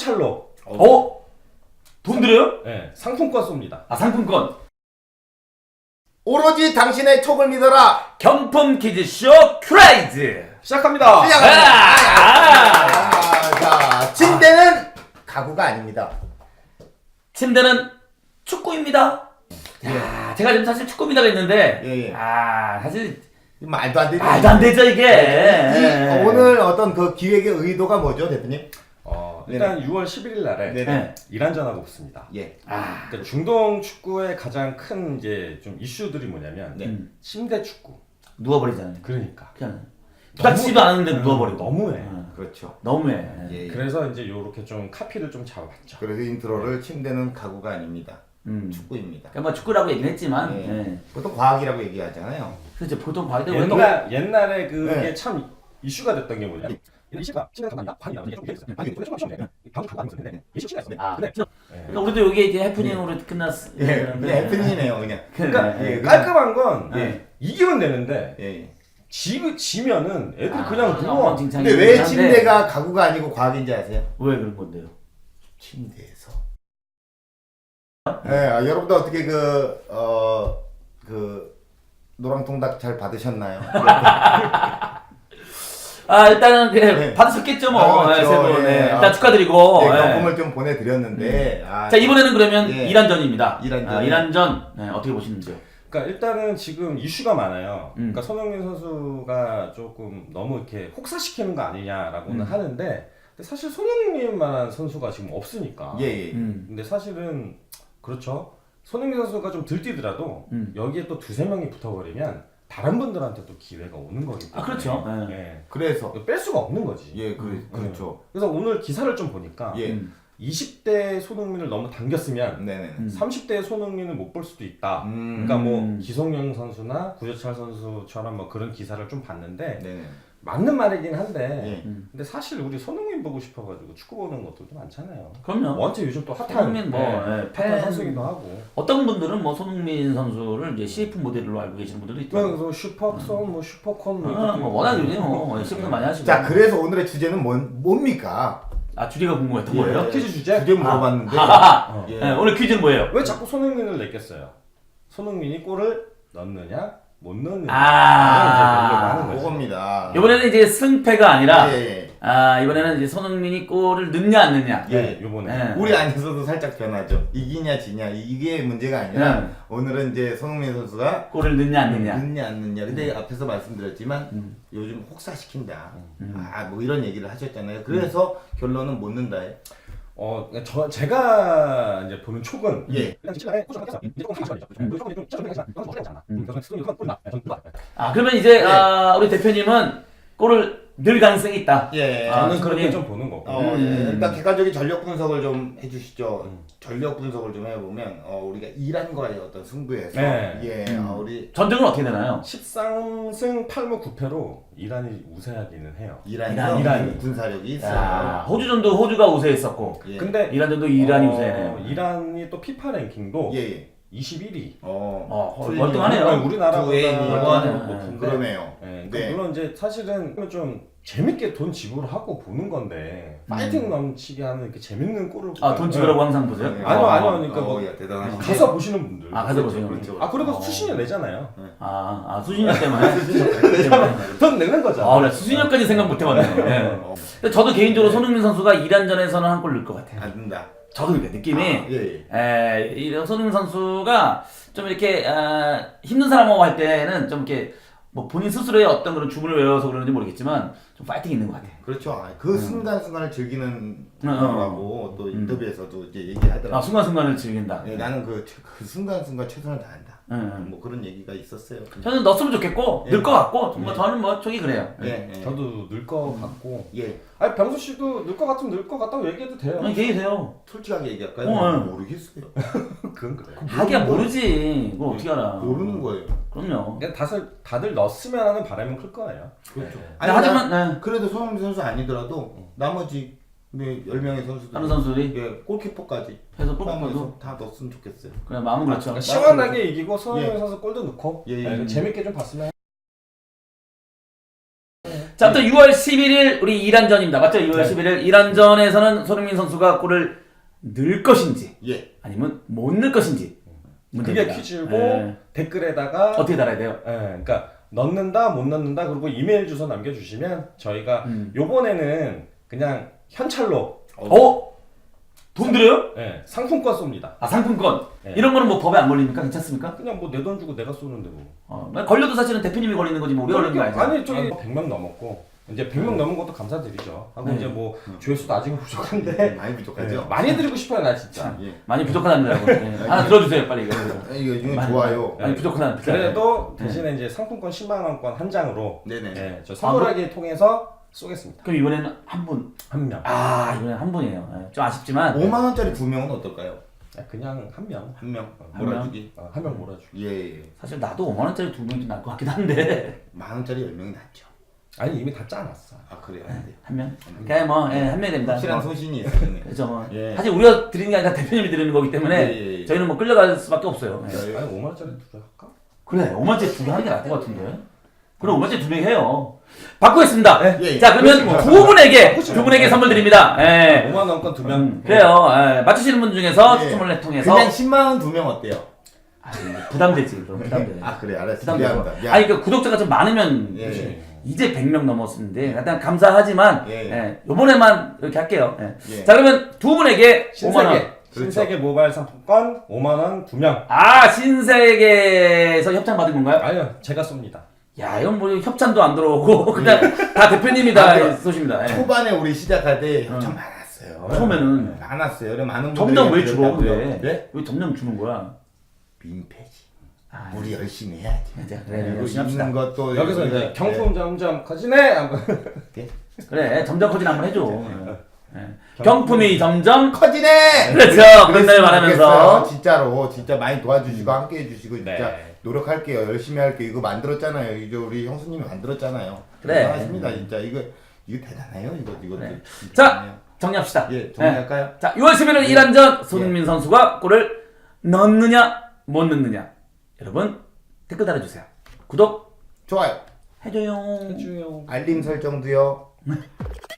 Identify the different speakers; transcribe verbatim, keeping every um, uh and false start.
Speaker 1: 찰로.
Speaker 2: 어? 돈 들여요?
Speaker 1: 네, 상품권 쏩니다.
Speaker 2: 아 상품권.
Speaker 3: 오로지 당신의 촉을 믿어라.
Speaker 2: 경품 퀴즈쇼 큐라이즈
Speaker 1: 시작합니다.
Speaker 3: 시작합니다.
Speaker 2: 아!
Speaker 3: 아, 자, 침대는 가구가 아닙니다.
Speaker 2: 침대는 축구입니다. 야, 제가 지금 사실 축구입니다가 있는데
Speaker 3: 예, 예.
Speaker 2: 아 사실
Speaker 3: 말도 안 되죠.
Speaker 2: 말도 안 되죠 이게.
Speaker 3: 이,
Speaker 2: 예.
Speaker 3: 오늘 어떤 그 기획의 의도가 뭐죠, 대표님?
Speaker 1: 어, 일단 유월 십일일 날에
Speaker 3: 네네.
Speaker 2: 네.
Speaker 1: 이란전하고 붙습니다.
Speaker 3: 예.
Speaker 2: 아,
Speaker 1: 그러니까 중동 축구의 가장 큰 이제 좀 이슈들이 뭐냐면
Speaker 3: 네.
Speaker 2: 음.
Speaker 1: 침대 축구.
Speaker 2: 누워버리잖아요.
Speaker 1: 그러니까
Speaker 2: 그냥 부닥치지도 않았는데 누워버리고.
Speaker 1: 너무해.
Speaker 2: 어,
Speaker 3: 그렇죠.
Speaker 2: 너무해.
Speaker 3: 예, 예.
Speaker 1: 그래서 이제 요렇게 좀 카피를 좀 잡아봤죠.
Speaker 3: 그래서 인트로를 침대는 가구가 아닙니다.
Speaker 2: 음.
Speaker 3: 축구입니다.
Speaker 2: 그러니까 뭐 축구라고 얘기는 했지만,
Speaker 3: 예.
Speaker 2: 예.
Speaker 3: 보통 과학이라고 얘기하잖아요.
Speaker 2: 그렇죠. 보통 과학들
Speaker 1: 옛날 옛날에 그게
Speaker 3: 네.
Speaker 1: 참 이슈가 됐던 게 뭐냐? 이 시가 침대 가만다 관이다 이게 좀 있어요. 아니 이게 좀 있었는데 방금 가고 있었는데 이 시가 있었는데.
Speaker 2: 아,
Speaker 1: 근데
Speaker 2: 그러니까 우리도 이게 이제 해프닝으로 끝났어.
Speaker 3: 예, 그냥 해프닝이네요, 그냥.
Speaker 1: 그러니까
Speaker 3: 예,
Speaker 1: 깔끔한 건
Speaker 3: 예.
Speaker 1: 이기면 되는데
Speaker 3: 예, 예.
Speaker 1: 지 지면은 애들
Speaker 2: 아,
Speaker 1: 그냥 누워.
Speaker 2: 엉망진창이긴
Speaker 3: 근데 왜
Speaker 2: 한데
Speaker 3: 침대가 가구가 아니고 과학인지 아세요?
Speaker 2: 왜 그런 건데요?
Speaker 3: 침대에서. 예, 아, 여러분들 어떻게 그, 어, 그, 노랑통닭 잘 받으셨나요?
Speaker 2: 아 일단은 그
Speaker 3: 네.
Speaker 2: 받으셨겠죠 뭐.
Speaker 3: 아, 그렇죠.
Speaker 2: 예, 세 분.
Speaker 3: 예.
Speaker 2: 예. 일단
Speaker 3: 아,
Speaker 2: 축하드리고.
Speaker 3: 네,
Speaker 2: 예.
Speaker 3: 경품을 좀 보내드렸는데. 아,
Speaker 2: 자 이번에는 그러면
Speaker 3: 예.
Speaker 2: 이란전입니다.
Speaker 3: 이란전.
Speaker 2: 아, 이란전 네, 어떻게 보시는지요?
Speaker 1: 그러니까 일단은 지금 이슈가 많아요.
Speaker 2: 음.
Speaker 1: 그러니까 손흥민 선수가 조금 너무 이렇게 혹사시키는 거 아니냐라고는
Speaker 2: 음.
Speaker 1: 하는데 근데 사실 손흥민만한 선수가 지금 없으니까.
Speaker 3: 예, 예.
Speaker 2: 음.
Speaker 1: 근데 사실은 그렇죠. 손흥민 선수가 좀 들뛰더라도
Speaker 2: 음.
Speaker 1: 여기에 또 두세 명이 붙어버리면 다른 분들한테 또 기회가 오는 거기 때문에.
Speaker 2: 아 그렇죠. 예.
Speaker 1: 예.
Speaker 3: 그래서.
Speaker 1: 뺄 수가 없는 거지.
Speaker 3: 예, 그,
Speaker 1: 음.
Speaker 3: 그렇죠.
Speaker 1: 그래서 오늘 기사를 좀 보니까
Speaker 3: 예.
Speaker 2: 음.
Speaker 1: 이십 대 손흥민을 너무 당겼으면
Speaker 3: 네네.
Speaker 2: 음.
Speaker 1: 삼십 대 손흥민을 못 볼 수도 있다.
Speaker 3: 음.
Speaker 1: 그러니까 뭐
Speaker 2: 음.
Speaker 1: 기성용 선수나 구자철 선수처럼 뭐 그런 기사를 좀 봤는데
Speaker 3: 네네.
Speaker 1: 맞는 말이긴 한데
Speaker 3: 예.
Speaker 2: 음.
Speaker 1: 근데 사실 우리 손흥민 보고 싶어가지고 축구 보는 것들도 많잖아요.
Speaker 2: 그럼요.
Speaker 1: 원체 요즘 또 핫한
Speaker 2: 손흥민 뭐
Speaker 1: 네,
Speaker 2: 예,
Speaker 1: 핫한
Speaker 2: 팬
Speaker 1: 선수기도 하고.
Speaker 2: 어떤 분들은 뭐 손흥민 선수를 이제 씨에프 모델로 알고 계시는 분들도 있고.
Speaker 1: 그래서 슈퍼선, 뭐 슈퍼콘 뭐
Speaker 2: 아,
Speaker 1: 이렇게
Speaker 2: 뭐 워낙 요즘 뭐 씨에프도 많이 하시고.
Speaker 3: 자, 그래서 오늘의 주제는 뭔, 뭡니까?
Speaker 2: 아 주제가 궁금했던
Speaker 3: 예.
Speaker 2: 거예요?
Speaker 1: 퀴즈 주제?
Speaker 3: 주제 물어봤는데.
Speaker 2: 하하.
Speaker 1: 어.
Speaker 3: 예.
Speaker 2: 네, 오늘 퀴즈는 뭐예요?
Speaker 1: 왜 자꾸 손흥민을 냈겠어요? 손흥민이 골을 넣느냐 못 넣느냐
Speaker 2: 아.
Speaker 1: 이제 하는 거죠.
Speaker 3: 그겁니다.
Speaker 2: 이번에는 이제 승패가 아니라
Speaker 3: 예, 예.
Speaker 2: 아 이번에는 이제 손흥민이 골을 넣냐 안 넣냐.
Speaker 3: 예.
Speaker 1: 네, 요번에
Speaker 2: 예.
Speaker 3: 우리 안에서도 살짝 변하죠. 이기냐 지냐 이게 문제가 아니라
Speaker 2: 네.
Speaker 3: 오늘은 이제 손흥민 선수가
Speaker 2: 골을 넣냐 안 넣냐.
Speaker 3: 넣냐 안 넣냐. 근데 앞에서 말씀드렸지만
Speaker 2: 음.
Speaker 3: 요즘 혹사시킨다.
Speaker 2: 음.
Speaker 3: 아 뭐 이런 얘기를 하셨잖아요. 그래서 결론은 못 넣는다에.
Speaker 1: 어, 저 제가 이제 보는 촉은
Speaker 3: 예.
Speaker 1: 일단 지금 꼬셔 겠어. 이제 조금 하시죠. 조금 좀 짜증 나지만 너무 멋있지 않아. 그래서 수능이 그건 꼴나. 저는 그거 알아요.
Speaker 2: 아 그러면 이제
Speaker 3: 네.
Speaker 2: 아, 우리 대표님은 골을 넣을 가능성이 있다.
Speaker 3: 예.
Speaker 2: 아,
Speaker 1: 저는 그렇게
Speaker 2: 충분히.
Speaker 1: 좀 보는 거고.
Speaker 3: 어,
Speaker 2: 음.
Speaker 3: 예. 일단 객관적인 전력 분석을 좀 해주시죠.
Speaker 1: 음.
Speaker 3: 전력 분석을 좀 해보면 어, 우리가 이란과의 어떤 승부에서
Speaker 1: 네.
Speaker 3: 예,
Speaker 2: 음.
Speaker 3: 어, 우리
Speaker 2: 전적은 어떻게 되나요?
Speaker 1: 십삼 승 팔 무 구 패로 이란이 우세하기는 해요.
Speaker 3: 이란이
Speaker 2: 이란,
Speaker 1: 이란이.
Speaker 3: 군사력이 있어요.
Speaker 2: 야, 호주전도 호주가 우세했었고
Speaker 3: 예.
Speaker 1: 근데
Speaker 2: 이란전도 이란이
Speaker 1: 어,
Speaker 2: 우세네요.
Speaker 1: 이란이 또 피파 랭킹도
Speaker 3: 예, 예.
Speaker 1: 이십일 위.
Speaker 3: 어,
Speaker 2: 어,
Speaker 3: 틀리네요.
Speaker 2: 월등하네요.
Speaker 1: 우리나라보다
Speaker 3: 두 A니
Speaker 2: 이거는
Speaker 1: 높은데.
Speaker 3: 그러네요.
Speaker 1: 예,
Speaker 3: 네.
Speaker 1: 네. 물론 이제 사실은 좀 재밌게 돈 지불하고 보는 건데 파이팅 넘치게 하는 이렇게 재밌는 골을
Speaker 2: 아 돈 지불하고 항상 보세요?
Speaker 3: 네.
Speaker 1: 아니요,
Speaker 2: 어.
Speaker 1: 아니요. 그러니까 뭐
Speaker 3: 어, 야, 대단하시네.
Speaker 1: 가서 보시는 분들.
Speaker 2: 아, 가서
Speaker 1: 그렇죠,
Speaker 2: 보시는
Speaker 1: 그렇죠.
Speaker 3: 분들.
Speaker 1: 아 그래도
Speaker 2: 어.
Speaker 1: 수신료 내잖아요.
Speaker 2: 아, 아 수신료 때문에.
Speaker 1: 돈 내는 거잖아.
Speaker 2: 아, 나 수신료까지 생각 못 해봤네. 예.
Speaker 3: 어,
Speaker 2: 근데 저도 개인적으로 손흥민 선수가 이란전에서는 한 골 넣을 것 같아요.
Speaker 3: 안 된다.
Speaker 2: 저도 그러니까 느낌이
Speaker 3: 아, 예, 예.
Speaker 2: 에, 이 손흥민 선수가 좀 이렇게 아, 힘든 사람하고 할 때는 좀 이렇게 뭐 본인 스스로의 어떤 그런 주문을 외워서 그러는지 모르겠지만 좀 파이팅 있는 것 같아요.
Speaker 3: 그렇죠. 아, 그 순간순간을 즐기는
Speaker 2: 음.
Speaker 3: 거라고 또 인터뷰에서도 이제 얘기하더라고요.
Speaker 2: 아 순간순간을 즐긴다.
Speaker 3: 예, 나는 그, 그 순간순간 최선을 다한다.
Speaker 2: 응.
Speaker 3: 뭐 그런 얘기가 있었어요.
Speaker 2: 저는 넣었으면 좋겠고
Speaker 3: 예.
Speaker 2: 넣을 것 같고 정말
Speaker 3: 예.
Speaker 2: 저는 뭐 저기 그래요.
Speaker 3: 예, 예.
Speaker 1: 저도 늘 거 같고.
Speaker 3: 예.
Speaker 1: 아니 병수 씨도 늘 거 같으면 늘 거 같다고 얘기해도 돼요.
Speaker 2: 아니 계세요.
Speaker 3: 솔직하게 얘기할까요?
Speaker 2: 어, 예.
Speaker 3: 모르겠어요.
Speaker 1: 그건 그래.
Speaker 2: 하기야 모르지. 그걸 어떻게 알아?
Speaker 3: 모르는 거예요.
Speaker 2: 그럼요.
Speaker 1: 그냥 다들 다들 넣었으면 하는 바람은 클 거예요.
Speaker 3: 그렇죠.
Speaker 1: 네.
Speaker 2: 아니, 하지만 네.
Speaker 3: 그래도 손흥민 선수 아니더라도 나머지 네, 열 명의 선수들
Speaker 2: 다른 선수들이
Speaker 3: 예, 골키퍼까지
Speaker 2: 해서 골키퍼도
Speaker 3: 포함해서 다 넣었으면 좋겠어요.
Speaker 2: 그냥 마음은 그렇죠.
Speaker 1: 그러니까 시원하게 이기고 손흥민
Speaker 3: 예.
Speaker 1: 선수 골도 넣고
Speaker 3: 예, 예.
Speaker 1: 네, 재밌게 좀 봤으면.
Speaker 2: 자, 아무튼 유월 십일일 우리 이란전입니다. 맞죠? 유월
Speaker 1: 네.
Speaker 2: 십일일 이란전에서는 손흥민 선수가 골을 넣을 것인지
Speaker 3: 예.
Speaker 2: 아니면 못 넣을 것인지
Speaker 1: 그게
Speaker 2: 문제입니다.
Speaker 1: 퀴즈고
Speaker 2: 예.
Speaker 1: 댓글에다가
Speaker 2: 어떻게 달아야 돼요?
Speaker 1: 예, 그러니까 넣는다 못 넣는다 그리고 이메일 주소 남겨주시면 저희가
Speaker 2: 음.
Speaker 1: 요번에는 그냥 현찰로
Speaker 2: 어? 돈 들여요?
Speaker 1: 예, 상품권 쏩니다.
Speaker 2: 아, 상품권.
Speaker 1: 네.
Speaker 2: 이런 거는 뭐 법에 안 걸립니까? 괜찮습니까?
Speaker 1: 그냥 뭐 내 돈 주고 내가 쏘는데 뭐.
Speaker 2: 어, 걸려도 사실은 대표님이 걸리는 거지 뭐 우리가 걸리는 거 아니죠?
Speaker 1: 아니 저기 백 명 넘었고 이제 백 명 넘은 것도 감사드리죠. 하고
Speaker 2: 네.
Speaker 1: 이제 뭐 조회수도 아직은 부족한데
Speaker 3: 많이 부족하죠.
Speaker 1: 네, 많이 드리고 싶어요 나 진짜.
Speaker 3: 예.
Speaker 2: 많이 부족하답니다. 네. 하나 들어주세요 빨리 이거.
Speaker 3: 아, 이거 이거
Speaker 2: 많이,
Speaker 3: 좋아요.
Speaker 2: 많이 부족하다.
Speaker 1: 그래도
Speaker 2: 네.
Speaker 1: 대신에 이제 상품권 십만 원권 한 장으로
Speaker 3: 네네.
Speaker 1: 예, 저 선물하기 통해서 쏘겠습니다.
Speaker 2: 그럼 이번에는 한 분.
Speaker 1: 한 명.
Speaker 2: 아 이번엔 한 분이에요. 네, 좀 아쉽지만.
Speaker 3: 오만 원짜리 두 명은 어떨까요?
Speaker 1: 아, 그냥 한 명.
Speaker 3: 한 명.
Speaker 2: 한
Speaker 3: 몰아주기.
Speaker 1: 어, 한 명 몰아주기.
Speaker 3: 예. 예.
Speaker 2: 사실 나도 오만 원짜리 두 명이 좀 나을 것 같긴 한데
Speaker 3: 만 원짜리 열 명이 낫죠.
Speaker 1: 아니 이미 다 짜놨어.
Speaker 3: 아 그래요. 안 돼요.
Speaker 2: 한 명. 그냥 뭐한 명이 됩니다.
Speaker 3: 확실한
Speaker 2: 뭐.
Speaker 3: 소신이 있으네.
Speaker 2: 그렇죠. 뭐.
Speaker 3: 예.
Speaker 2: 사실 우리가 드리는 게 아니라 대표님이 드리는 거기 때문에
Speaker 3: 예, 예, 예.
Speaker 2: 저희는 뭐 끌려갈 수밖에 없어요. 예.
Speaker 3: 예.
Speaker 1: 아니 오만 원짜리 두 개 할까?
Speaker 2: 그래 오만 원짜리 두 개 하는 게 나을 것 같은데. 그럼 오만 원짜리 두 명 해요. 바꾸겠습니다.
Speaker 3: 예, 예.
Speaker 2: 자 그러면
Speaker 1: 그렇지
Speaker 2: 두
Speaker 1: 뭐.
Speaker 2: 분에게
Speaker 1: 바꾸지
Speaker 2: 두
Speaker 1: 뭐.
Speaker 2: 분에게 선물 드립니다. 예.
Speaker 1: 오만 원권 두 명.
Speaker 2: 음, 그래요. 예. 맞추시는 분 중에서
Speaker 3: 예.
Speaker 2: 추첨을 통해서
Speaker 3: 그냥 십만 원 두 명 어때요?
Speaker 2: 아, 부담되지. 그럼 부담돼.
Speaker 3: 아 그래 알았어.
Speaker 2: 부담되고.
Speaker 3: 미안합니다. 미안.
Speaker 2: 아니 그 구독자가 좀 많으면
Speaker 3: 예.
Speaker 1: 그렇지.
Speaker 2: 이제 백 명 넘었는데 일단 감사하지만
Speaker 3: 예.
Speaker 2: 예. 요번에만 이렇게 할게요. 예.
Speaker 3: 예.
Speaker 2: 자 그러면 두 분에게 오만 원.
Speaker 1: 신세계 신세계 모바일 상품권 오만 원 두 명.
Speaker 2: 아 신세계에서 협찬 받은 건가요?
Speaker 1: 아니요 제가 쏩니다.
Speaker 2: 야 이건 뭐 협찬도 안 들어오고 그냥 다 대표님이 다
Speaker 3: 아,
Speaker 2: 쏘십니다. 예.
Speaker 3: 초반에 우리 시작할 때
Speaker 2: 응.
Speaker 3: 엄청 많았어요.
Speaker 2: 처음에는
Speaker 3: 많았어요. 그래 많은 분들이
Speaker 2: 점점 왜 줄어
Speaker 3: 그랬다고요.
Speaker 2: 근데
Speaker 3: 네?
Speaker 2: 왜 점점 주는 거야?
Speaker 3: 민폐지.
Speaker 2: 아,
Speaker 3: 우리 열심히 해야지.
Speaker 2: 이제 그래
Speaker 3: 그리고
Speaker 2: 열심히 합시다.
Speaker 3: 있는 것도
Speaker 1: 여기서
Speaker 3: 우리가-
Speaker 1: 이제 경품 점점 커지네. 한번.
Speaker 2: 그래 점점 커진 한번 해줘. 예. 경품이 점점
Speaker 3: 커지네.
Speaker 2: 그렇죠. 그런 날 말하면서
Speaker 3: 진짜로 진짜 많이 도와주시고 함께 해주시고 진짜
Speaker 1: 네.
Speaker 3: 노력할게요. 열심히 할게요. 이거 만들었잖아요. 이제 우리 형수님이 만들었잖아요.
Speaker 2: 그래.
Speaker 3: 대단하십니다. 진짜 이거 이거 대단해요. 이거 이거.
Speaker 2: 그래.
Speaker 3: 진짜
Speaker 2: 자,
Speaker 3: 대단해요.
Speaker 2: 정리합시다.
Speaker 3: 예, 정리할까요?
Speaker 2: 자, 유월 십일일 이란전 손흥민 선수가 골을 넣느냐 못 넣느냐 여러분 댓글 달아주세요. 구독
Speaker 3: 좋아요.
Speaker 2: 해줘요.
Speaker 1: 해줘요.
Speaker 3: 알림 설정도요.